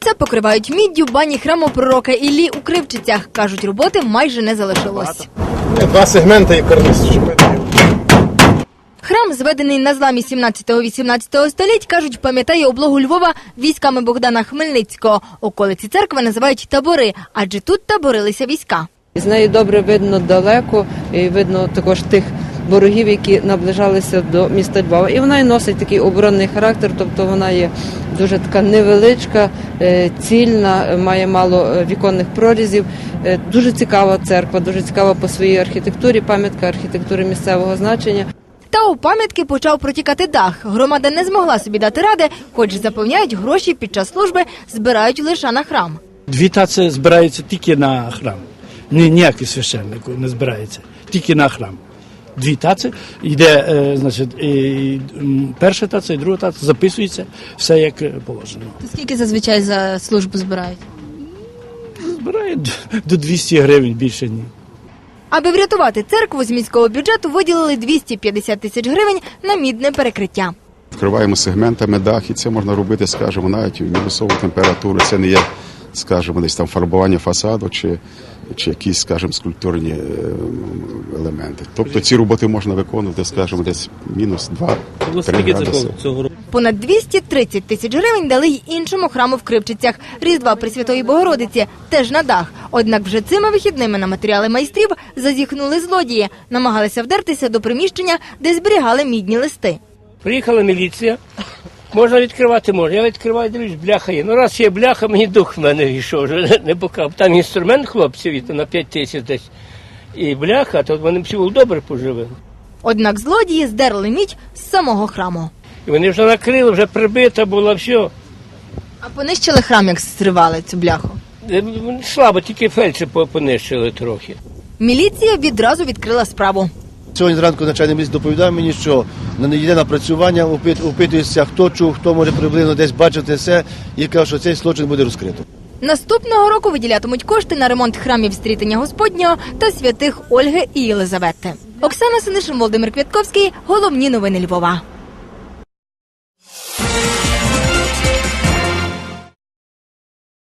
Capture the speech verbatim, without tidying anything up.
Все покривають міддю бані храму пророка Іллі у Кривчицях. Кажуть, роботи майже не залишилось. Два сегменти і карниз. Храм, зведений на зламі сімнадцятого-вісімнадцятого століть, кажуть, пам'ятає облогу Львова військами Богдана Хмельницького. Околиці церкви називають табори, адже тут таборилися війська. З неї добре видно далеко, і видно також тих ворогів, які наближалися до міста Львова. І вона і носить такий оборонний характер, тобто вона є дуже така невеличка, цільна, має мало віконних прорізів. Дуже цікава церква, дуже цікава по своїй архітектурі, пам'ятка архітектури місцевого значення. Та у пам'ятки почав протікати дах. Громада не змогла собі дати ради, хоч запевняють, гроші під час служби збирають лише на храм. Дві таці збираються тільки на храм. Ні, ніякий священник не збирається, тільки на храм. Дві таці, йде, е, значить, і перша таця і друга таця, записується, все як положено. Скільки зазвичай за службу збирають? Збирають до двісті гривень, більше ні. Аби врятувати церкву, з міського бюджету виділили двісті п'ятдесят тисяч гривень на мідне перекриття. Вкриваємо сегментами дах, і це можна робити, скажімо, навіть в мінусову температуру. Це не є, скажімо, десь там фарбування фасаду чи, чи якісь, скажімо, скульптурні елементи. Тобто ці роботи можна виконувати, скажімо, десь мінус два-три градуси. Понад двісті тридцять тисяч гривень дали й іншому храму в Кривчицях – Різдва Пресвятої Богородиці, теж на дах. Однак вже цими вихідними на матеріали майстрів зазіхнули злодії, намагалися вдертися до приміщення, де зберігали мідні листи. Приїхала міліція, можна відкривати, можна. Я відкриваю, дивлюсь, бляха є. Ну раз є бляха, мені дух в мене війшов, вже не покав. Там інструмент хлопців на п'ять тисяч десь. І бляха, то вони всі добре поживили. Однак злодії здерли мідь з самого храму. І вони вже накрили, вже прибита була, все. А понищили храм, як зривали цю бляху? Слабо, тільки фельдші понищили трохи. Міліція відразу відкрила справу. Сьогодні зранку начальник міліції доповідав мені, що йде напрацювання, опитується, хто чув, хто може приблизно десь бачити все, і каже, що цей злочин буде розкрито. Наступного року виділятимуть кошти на ремонт храмів Стрітення Господнього та святих Ольги і Єлизавети. Оксана Синишин, Володимир Квятковський. Головні новини Львова.